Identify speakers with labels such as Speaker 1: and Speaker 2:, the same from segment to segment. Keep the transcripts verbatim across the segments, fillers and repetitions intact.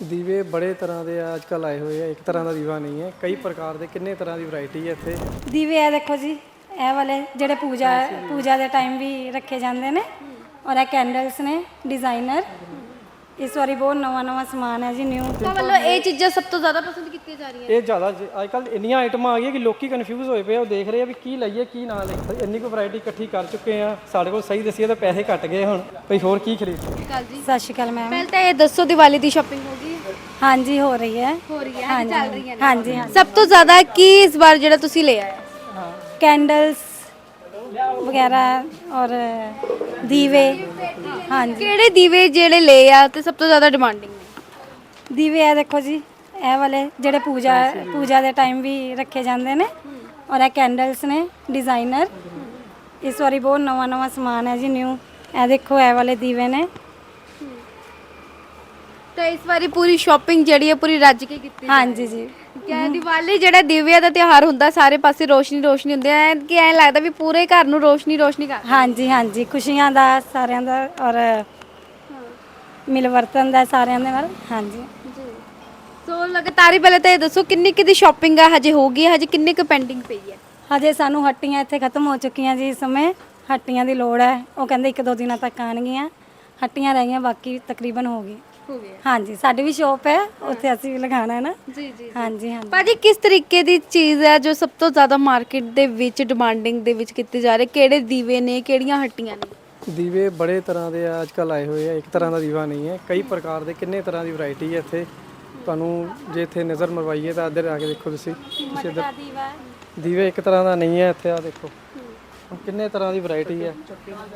Speaker 1: ਦੀਵੇ ਬੜੇ ਤਰ੍ਹਾਂ ਦੇ ਆ ਅੱਜ ਕੱਲ੍ਹ ਆਏ ਹੋਏ ਆ। ਇੱਕ ਤਰ੍ਹਾਂ ਦਾ ਦੀਵਾ ਨਹੀਂ ਹੈ, ਕਈ ਪ੍ਰਕਾਰ ਦੇ ਕਿੰਨੇ ਤਰ੍ਹਾਂ ਦੀ ਵੈਰਾਈਟੀ ਹੈ ਇੱਥੇ।
Speaker 2: ਦੀਵੇ ਇਹ ਦੇਖੋ ਜੀ, ਇਹ ਵਾਲੇ ਜਿਹੜੇ ਪੂਜਾ ਪੂਜਾ ਦੇ ਟਾਈਮ ਵੀ ਰੱਖੇ ਜਾਂਦੇ ਨੇ। ਔਰ ਇਹ ਕੈਂਡਲਸ ਨੇ ਡਿਜ਼ਾਈਨਰ। ਇਸ ਵਾਰੀ ਬਹੁਤ ਨਵਾਂ ਨਵਾਂ ਸਮਾਨ ਹੈ ਜੀ, ਨਿਊ।
Speaker 3: ਤਾਂ ਮਤਲਬ ਇਹ ਚੀਜ਼ਾਂ ਸਭ ਤੋਂ ਜ਼ਿਆਦਾ ਪਸੰਦ ਕੀਤੀਆਂ ਜਾ ਰਹੀਆਂ
Speaker 1: ਇਹ ਜ਼ਿਆਦਾ ਅੱਜ ਕੱਲ੍ਹ ਇੰਨੀਆਂ ਆਈਟਮਾਂ ਆ ਗਈਆਂ ਕਿ ਲੋਕੀ ਕਨਫਿਊਜ਼ ਹੋਏ ਪਏ ਆ। ਉਹ ਦੇਖ ਰਹੇ ਆ ਵੀ ਕੀ ਲਈਏ ਕੀ ਨਾ ਲਈਏ। ਇੰਨੀ ਕੁ ਵੈਰਾਈਟੀ ਇਕੱਠੀ ਕਰ ਚੁੱਕੇ ਆ, ਸਾਡੇ ਕੋਲ ਸਹੀ ਦਸੀਏ ਤਾਂ ਪੈਸੇ ਘਟ ਗਏ ਹੁਣ ਭਈ ਹੋਰ ਕੀ ਖਰੀਦੀਏ।
Speaker 3: ਕੱਲ ਜੀ
Speaker 2: ਸਤਿ ਸ਼੍ਰੀ ਅਕਾਲ ਮੈਮ।
Speaker 3: ਪਹਿਲਾਂ ਤਾਂ ਇਹ ਦੱਸੋ ਦੀਵਾਲੀ ਦੀ ਸ਼ਾਪਿੰਗ ਹੋ ਗਈ?
Speaker 2: ਹਾਂਜੀ ਹੋ ਰਹੀ ਹੈ
Speaker 3: ਹੋ ਰਹੀ ਹੈ, ਹਾਂਜੀ ਚੱਲ ਰਹੀ ਹੈ।
Speaker 2: ਹਾਂਜੀ ਹਾਂਜੀ।
Speaker 3: ਸਭ ਤੋਂ ਜ਼ਿਆਦਾ ਕੀ ਇਸ ਵਾਰ ਜਿਹੜਾ ਤੁਸੀਂ ਲੈ ਆਏ?
Speaker 2: ਕੈਂਡਲਸ ਵਗੈਰਾ ਔਰ ਦੀਵੇ। ਹਾਂਜੀ
Speaker 3: ਕਿਹੜੇ ਦੀਵੇ ਜਿਹੜੇ ਲੈ ਆ ਤੇ ਸਭ ਤੋਂ ਜ਼ਿਆਦਾ ਡਿਮਾਂਡਿੰਗ ਨੇ?
Speaker 2: ਦੀਵੇ ਇਹ ਦੇਖੋ ਜੀ, ਇਹ ਵਾਲੇ ਜਿਹੜੇ ਪੂਜਾ ਪੂਜਾ ਦੇ ਟਾਈਮ ਵੀ ਰੱਖੇ ਜਾਂਦੇ ਨੇ। ਔਰ ਇਹ ਕੈਂਡਲਸ ਨੇ ਡਿਜ਼ਾਈਨਰ। ਇਸ ਵਾਰੀ ਬਹੁਤ ਨਵਾਂ ਨਵਾਂ ਸਮਾਨ ਹੈ ਜੀ, ਨਿਊ। ਇਹ ਦੇਖੋ ਇਹ ਵਾਲੇ ਦੀਵੇ ਨੇ।
Speaker 3: ਤਾਂ ਇਸ ਵਾਰੀ ਪੂਰੀ ਸ਼ਾਪਿੰਗ ਜਿਹੜੀ ਹੈ ਪੂਰੀ ਰੱਜ ਕੇ ਕੀਤੀ?
Speaker 2: ਹਾਂਜੀ ਜੀ।
Speaker 3: ਕਿ ਦੀਵਾਲੀ ਜਿਹੜਾ ਦੀਵਿਆਂ ਦਾ ਤਿਉਹਾਰ ਹੁੰਦਾ, ਸਾਰੇ ਪਾਸੇ ਰੋਸ਼ਨੀ ਰੋਸ਼ਨੀ ਹੁੰਦੀ ਹੈ ਕਿ ਐਂ ਲੱਗਦਾ ਵੀ ਪੂਰੇ ਘਰ ਨੂੰ ਰੋਸ਼ਨੀ ਰੋਸ਼ਨੀ ਕਰ।
Speaker 2: ਹਾਂਜੀ ਹਾਂਜੀ, ਖੁਸ਼ੀਆਂ ਦਾ ਸਾਰਿਆਂ ਦਾ ਔਰ ਮਿਲ ਵਰਤਨ ਦਾ ਸਾਰਿਆਂ ਦੇ ਨਾਲ। ਹਾਂਜੀ
Speaker 3: ਜੀ। ਸੋ ਲਗਾਤਾਰ ਹੀ ਪਹਿਲੇ ਤਾਂ ਇਹ ਦੱਸੋ ਕਿੰਨੀ ਕੁ ਦੀ ਸ਼ਾਪਿੰਗ ਆ ਹਜੇ ਹੋ ਗਈ ਹੈ, ਹਜੇ ਕਿੰਨੀ ਕੁ ਪੈਂਡਿੰਗ ਪਈ ਹੈ?
Speaker 2: ਹਜੇ ਸਾਨੂੰ ਹੱਟੀਆਂ ਇੱਥੇ ਖਤਮ ਹੋ ਚੁੱਕੀਆਂ ਜੀ। ਇਸ ਸਮੇਂ ਹੱਟੀਆਂ ਦੀ ਲੋੜ ਹੈ। ਉਹ ਕਹਿੰਦੇ ਇੱਕ ਦੋ ਦਿਨਾਂ ਤੱਕ ਆਉਣਗੀਆਂ। ਹੱਟੀਆਂ ਰਹਿ ਗਈਆਂ, ਬਾਕੀ ਤਕਰੀਬਨ ਹੋ ਗਈ।
Speaker 3: ਹੋ ਗਿਆ।
Speaker 2: ਹਾਂਜੀ, ਸਾਡੀ ਵੀ ਸ਼ੋਪ ਹੈ, ਉੱਥੇ ਅਸੀਂ ਵੀ ਲਗਾਉਣਾ ਹੈ ਨਾ।
Speaker 3: ਜੀ ਜੀ।
Speaker 2: ਹਾਂਜੀ ਹਾਂਜੀ।
Speaker 3: ਭਾਜੀ ਕਿਸ ਤਰੀਕੇ ਦੀ ਚੀਜ਼ ਹੈ ਜੋ ਸਭ ਤੋਂ ਜ਼ਿਆਦਾ ਮਾਰਕੀਟ ਦੇ ਵਿੱਚ ਡਿਮਾਂਡਿੰਗ ਦੇ ਵਿੱਚ ਕੀਤੀ ਜਾ ਰਹੀ? ਕਿਹੜੇ ਦੀਵੇ ਨੇ, ਕਿਹੜੀਆਂ ਹੱਟੀਆਂ ਨੇ?
Speaker 1: ਦੀਵੇ ਬੜੇ ਤਰ੍ਹਾਂ ਦੇ ਆ ਅੱਜ ਕੱਲ੍ਹ ਆਏ ਹੋਏ ਆ। ਇੱਕ ਤਰ੍ਹਾਂ ਦਾ ਦੀਵਾ ਨਹੀਂ ਹੈ, ਕਈ ਪ੍ਰਕਾਰ ਦੇ ਕਿੰਨੇ ਤਰ੍ਹਾਂ ਦੀ ਵੈਰਾਈਟੀ ਹੈ ਇੱਥੇ। ਤੁਹਾਨੂੰ ਜੇ ਇੱਥੇ ਨਜ਼ਰ ਮਰਵਾਈਏ ਤਾਂ ਇੱਧਰ ਆ ਕੇ ਦੇਖੋ ਤੁਸੀਂ। ਤੁਸੀਂ ਇੱਧਰ
Speaker 2: ਦੀਵਾ
Speaker 1: ਦੀਵੇ ਇੱਕ ਤਰ੍ਹਾਂ ਦਾ ਨਹੀਂ ਹੈ ਇੱਥੇ। ਆ ਦੇਖੋ ਕਿੰਨੇ ਤਰ੍ਹਾਂ ਦੀ ਵੈਰਾਈਟੀ ਹੈ।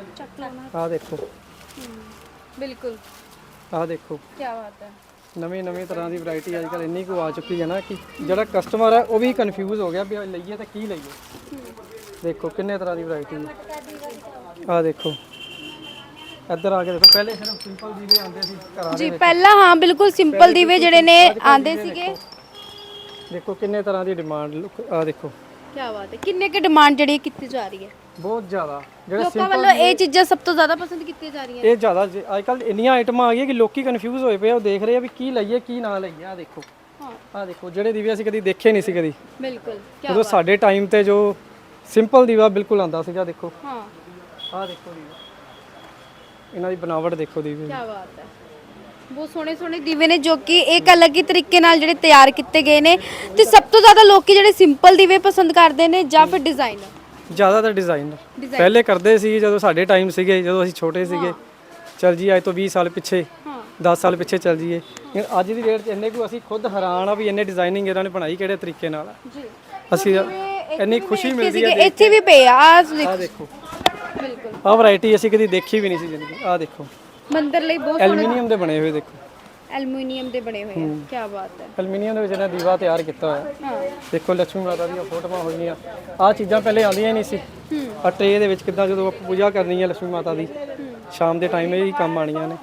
Speaker 1: ਆ ਦੇਖੋ,
Speaker 3: ਬਿਲਕੁਲ।
Speaker 1: ਆ ਦੇਖੋ
Speaker 3: ਕੀ ਬਾਤ ਹੈ।
Speaker 1: ਨਵੀਂ ਨਵੀਂ ਤਰ੍ਹਾਂ ਦੀ ਵੈਰਾਈਟੀ ਅੱਜ ਕੱਲ੍ਹ ਇੰਨੀ ਕੁ ਆ ਚੁੱਕੀ ਹੈ ਨਾ ਕਿ ਜਿਹੜਾ ਕਸਟਮਰ ਹੈ ਉਹ ਵੀ ਕਨਫਿਊਜ਼ ਹੋ ਗਿਆ ਵੀ ਲਈਏ ਤਾਂ ਕੀ ਲਈਏ। ਦੇਖੋ ਕਿੰਨੇ ਤਰ੍ਹਾਂ ਦੀ ਵੈਰਾਈਟੀ ਹੈ। ਆ ਦੇਖੋ ਇੱਧਰ ਆ ਕੇ ਦੇਖੋ, ਪਹਿਲੇ ਸਿਰਫ ਸਿੰਪਲ ਦੀਵੇ ਆਉਂਦੇ ਸੀ ਘਰਾਂ ਦੇ
Speaker 3: ਜੀ
Speaker 1: ਵਿੱਚ।
Speaker 3: ਪਹਿਲਾਂ ਹਾਂ ਬਿਲਕੁਲ ਸਿੰਪਲ ਦੀਵੇ ਜਿਹੜੇ ਨੇ ਆਂਦੇ ਸੀਗੇ।
Speaker 1: ਦੇਖੋ ਕਿੰਨੇ ਤਰ੍ਹਾਂ ਦੀ ਡਿਮਾਂਡ। ਆ ਦੇਖੋ
Speaker 3: ਕੀ ਬਾਤ ਹੈ। ਕਿੰਨੇ ਕੁ ਡਿਮਾਂਡ ਜਿਹੜੀ ਕੀਤੀ ਜਾ ਰਹੀ ਹੈ?
Speaker 1: ਬਹੁਤ ਜ਼ਿਆਦਾ। ਜਿਹੜੇ
Speaker 3: ਲੋਕਾਂ ਵੱਲੋਂ ਇਹ ਚੀਜ਼ਾਂ ਸਭ ਤੋਂ ਜ਼ਿਆਦਾ ਪਸੰਦ ਕੀਤੀਆਂ ਜਾ ਰਹੀਆਂ?
Speaker 1: ਇਹ ਜ਼ਿਆਦਾ ਅੱਜ ਕੱਲ੍ਹ ਇੰਨੀਆਂ ਆਈਟਮਾਂ ਆ ਗਈਆਂ ਕਿ ਲੋਕੀ ਕਨਫਿਊਜ਼ ਹੋਏ ਪਏ ਆ। ਉਹ ਦੇਖ ਰਹੇ ਆ ਵੀ ਕੀ ਲਈਏ ਕੀ ਨਾ ਲਈਏ। ਆ ਦੇਖੋ,
Speaker 3: ਹਾਂ
Speaker 1: ਆ ਦੇਖੋ ਜਿਹੜੇ ਦੀਵੇ ਅਸੀਂ ਕਦੀ ਦੇਖੇ ਨਹੀਂ ਸੀ ਕਦੀ।
Speaker 3: ਬਿਲਕੁਲ। ਕੀ
Speaker 1: ਉਦੋਂ ਸਾਡੇ ਟਾਈਮ ਤੇ ਜੋ ਸਿੰਪਲ ਦੀਵਾ ਬਿਲਕੁਲ ਆਂਦਾ ਸੀਗਾ। ਦੇਖੋ
Speaker 3: ਹਾਂ
Speaker 1: ਆ ਦੇਖੋ ਦੀਵਾ, ਇਹਨਾਂ ਦੀ ਬਣਾਵਟ ਦੇਖੋ ਦੀਵੇ ਦੀ।
Speaker 3: ਕੀ ਬਾਤ ਹੈ। ਬਹੁਤ ਸੋਹਣੇ ਸੋਹਣੇ ਦੀਵੇ ਨੇ ਜੋ ਕਿ ਇੱਕ ਅਲੱਗ ਹੀ ਤਰੀਕੇ ਨਾਲ ਜਿਹੜੇ ਤਿਆਰ ਕੀਤੇ ਗਏ ਨੇ। ਤੇ ਸਭ ਤੋਂ ਜ਼ਿਆਦਾ ਲੋਕੀ ਜਿਹੜੇ ਸਿੰਪਲ ਦੀਵੇ ਪਸੰਦ ਕਰਦੇ ਨੇ ਜਾਂ ਫਿਰ ਡਿਜ਼ਾਈਨਰ?
Speaker 1: ਜ਼ਿਆਦਾਤਰ ਡਿਜ਼ਾਈਨਰ ਪਹਿਲੇ ਕਰਦੇ ਸੀ ਜਦੋਂ ਸਾਡੇ ਟਾਈਮ ਸੀਗੇ, ਜਦੋਂ ਅਸੀਂ ਛੋਟੇ ਸੀਗੇ। ਚਲ ਜੀ ਅੱਜ ਤੋਂ ਵੀਹ ਸਾਲ ਪਿੱਛੇ, ਦਸ ਸਾਲ ਪਿੱਛੇ ਚੱਲ ਜੀਏ। ਅੱਜ ਦੀ ਡੇਟ 'ਚ ਇੰਨੇ ਕੁ ਅਸੀਂ ਖੁਦ ਹੈਰਾਨ ਆ ਵੀ ਇੰਨੇ ਡਿਜ਼ਾਈਨਿੰਗ ਇਹਨਾਂ ਨੇ ਬਣਾਈ ਕਿਹੜੇ ਤਰੀਕੇ ਨਾਲ। ਅਸੀਂ ਇੰਨੀ ਖੁਸ਼ੀ ਮਿਲਦੀ ਹੈ।
Speaker 3: ਇੱਥੇ ਵੀ ਪਏ ਆ।
Speaker 1: ਆ ਦੇਖੋ
Speaker 3: ਬਿਲਕੁਲ
Speaker 1: ਆਹ ਵੈਰਾਈਟੀ ਅਸੀਂ ਕਦੀ ਦੇਖੀ ਵੀ ਨਹੀਂ ਸੀ ਜ਼ਿੰਦਗੀ। ਆ ਦੇਖੋ
Speaker 3: ਮੰਦਰ ਲਈ ਬਹੁਤ
Speaker 1: ਐਲੂਮੀਨੀਅਮ ਦੇ ਬਣੇ ਹੋਏ। ਦੇਖੋ
Speaker 3: ਐਲੂਮੀਨੀਅਮ ਦੇ ਬਣੇ ਹੋਏ ਆ। ਕੀ ਬਾਤ ਹੈ।
Speaker 1: ਐਲੂਮੀਨੀਅਮ ਦੇ ਵਿੱਚ ਇਹਨਾਂ ਦੀਵਾ ਤਿਆਰ ਕੀਤਾ ਹੋਇਆ।
Speaker 3: ਹਾਂ
Speaker 1: ਦੇਖੋ ਲక్ష్ਮੀ ਮਾਤਾ ਦੀਆਂ ਫੋਟੋਆਂ ਹੋਈਆਂ। ਆਹ ਚੀਜ਼ਾਂ ਪਹਿਲੇ ਆਉਂਦੀਆਂ ਹੀ ਨਹੀਂ ਸੀ। ਆ ਟਰੇ ਦੇ ਵਿੱਚ ਕਿੱਦਾਂ ਜਦੋਂ ਆਪਾਂ ਪੂਜਾ ਕਰਨੀ ਹੈ ਲక్ష్ਮੀ ਮਾਤਾ ਦੀ, ਸ਼ਾਮ ਦੇ ਟਾਈਮ ਇਹ ਹੀ ਕੰਮ ਆਣੀਆਂ ਨੇ।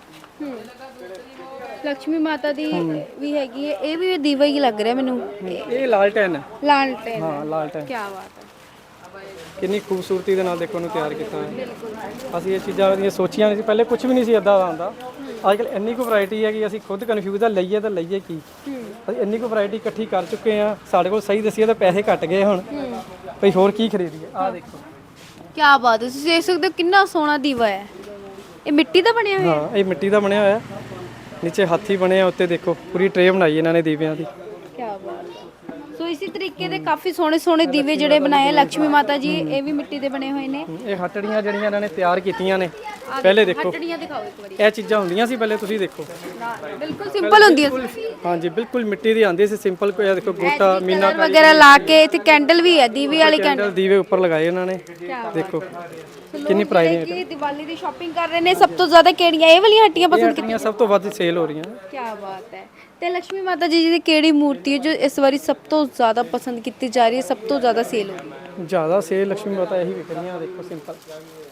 Speaker 3: ਲక్ష్ਮੀ ਮਾਤਾ ਦੀ ਵੀ ਹੈਗੀ ਹੈ। ਇਹ ਵੀ ਦੀਵਾ ਹੀ ਲੱਗ ਰਿਹਾ ਮੈਨੂੰ।
Speaker 1: ਇਹ ਲਾਲਟੈਨ ਹੈ।
Speaker 3: ਲਾਲਟੈਨ।
Speaker 1: ਹਾਂ ਲਾਲਟੈਨ।
Speaker 3: ਕੀ ਬਾਤ ਹੈ।
Speaker 1: ਕਿੰਨੀ ਖੂਬਸੂਰਤੀ ਦੇ ਨਾਲ ਦੇਖੋ ਉਹਨੂੰ ਤਿਆਰ ਕੀਤਾ ਹੈ। ਅਸੀਂ ਇਹ ਚੀਜ਼ਾਂ ਦੀਆਂ ਸੋਚੀਆਂ ਨਹੀਂ ਸੀ ਪਹਿਲੇ, ਕੁਝ ਵੀ ਨਹੀਂ ਸੀ ਇਦਾਂ ਦਾ ਹੁੰਦਾ। ਅੱਜ ਕੱਲ੍ਹ ਇੰਨੀ ਕੁ ਵੈਰਾਈਟੀ ਹੈ ਕਿ ਅਸੀਂ ਖੁਦ ਕਨਫਿਊਜ਼ ਆ ਲਈਏ ਤਾਂ ਲਈਏ ਕੀ। ਅਸੀਂ ਇੰਨੀ ਕੁ ਵੈਰਾਈਟੀ ਇਕੱਠੀ ਕਰ ਚੁੱਕੇ ਆ, ਸਾਡੇ ਕੋਲ ਸਹੀ ਦਸੀਏ ਤਾਂ ਪੈਸੇ ਘਟ ਗਏ ਹੁਣ ਭਈ ਹੋਰ ਕੀ ਖਰੀਦੀਏ। ਆ ਦੇਖੋ
Speaker 3: ਕੀ ਬਾਤ ਹੈ। ਤੁਸੀਂ ਦੇਖ ਸਕਦੇ ਹੋ ਕਿੰਨਾ ਸੋਹਣਾ ਦੀਵਾ ਹੈ। ਇਹ ਮਿੱਟੀ ਦਾ ਬਣਿਆ ਹੋਇਆ?
Speaker 1: ਹਾਂ ਇਹ ਮਿੱਟੀ ਦਾ ਬਣਿਆ ਹੋਇਆ। ਨੀਚੇ ਹਾਥੀ ਬਣੇ ਆ, ਉੱਤੇ ਦੇਖੋ ਪੂਰੀ ਟਰੇ ਬਣਾਈ ਇਹਨਾਂ ਨੇ ਦੀਵਿਆਂ ਦੀ।
Speaker 3: ਕੀ ਬਾਤ ਹੈ। ਸੋ ਇਸੇ ਤਰੀਕੇ ਦੇ ਕਾਫੀ ਸੋਹਣੇ ਸੋਹਣੇ ਦੀਵੇ ਜਿਹੜੇ ਬਣਾਏ ਲక్ష్ਮੀ ਮਾਤਾ ਜੀ, ਇਹ ਵੀ ਮਿੱਟੀ ਦੇ ਬਣੇ ਹੋਏ ਨੇ।
Speaker 1: ਇਹ ਹੱਟੜੀਆਂ ਜਿਹੜੀਆਂ ਇਹਨਾਂ ਨੇ ਤਿਆਰ ਕੀਤੀਆਂ ਨੇ ਪਹਿਲੇ ਦੇਖੋ।
Speaker 3: ਹੱਟੜੀਆਂ ਦਿਖਾਓ ਇੱਕ ਵਾਰੀ।
Speaker 1: ਇਹ ਚੀਜ਼ਾਂ ਹੁੰਦੀਆਂ ਸੀ ਪਹਿਲੇ, ਤੁਸੀਂ ਦੇਖੋ
Speaker 3: ਬਿਲਕੁਲ ਸਿੰਪਲ ਹੁੰਦੀਆਂ ਸੀ।
Speaker 1: ਹਾਂਜੀ ਬਿਲਕੁਲ ਮਿੱਟੀ ਦੀ ਆਉਂਦੀ ਸੀ ਸਿੰਪਲ। ਕੋਈ ਦੇਖੋ ਗੋਟਾ ਮੀਨਾ
Speaker 3: ਵਗੈਰਹ ਲਾ ਕੇ ਇੱਥੇ ਕੈਂਡਲ ਵੀ ਹੈ, ਦੀਵੇ ਵਾਲੀ
Speaker 1: ਕੈਂਡਲ ਦੀਵੇ ਉੱਪਰ ਲਗਾਏ ਉਹਨਾਂ ਨੇ। ਦੇਖੋ ਕਿੰਨੀ ਪ੍ਰਾਈਸ
Speaker 3: ਹੈ। ਦੀਵਾਲੀ ਦੀ ਸ਼ਾਪਿੰਗ ਕਰ ਰਹੇ ਨੇ ਸਭ ਤੋਂ ਜ਼ਿਆਦਾ ਕਿਹੜੀਆਂ ਇਹ ਵਾਲੀਆਂ ਹੱਟੀਆਂ ਪਸੰਦ
Speaker 1: ਕੀਤੀਆਂ? ਸਭ ਤੋਂ ਵੱਧ ਸੇਲ ਹੋ ਰਹੀਆਂ।
Speaker 3: ਕੀ ਬਾਤ ਹੈ। ਤੇ ਲక్ష్ਮੀ ਮਾਤਾ ਜੀ ਦੀ ਕਿਹੜੀ ਮੂਰਤੀ ਹੈ ਜੋ ਇਸ ਵਾਰੀ ਸਭ ਤੋਂ ਜ਼ਿਆਦਾ ਪਸੰਦ ਕੀਤੀ ਜਾ ਰਹੀ ਹੈ, ਸਭ ਤੋਂ ਜ਼ਿਆਦਾ ਸੇਲ ਹੋ ਰਹੀ ਹੈ?
Speaker 1: ਜ਼ਿਆਦਾ ਸੇਲ ਲక్ష్ਮੀ ਮਾਤਾ ਇਹੀ ਵਿਕ ਰਹੀਆਂ। ਦੇਖੋ ਸਿੰਪਲ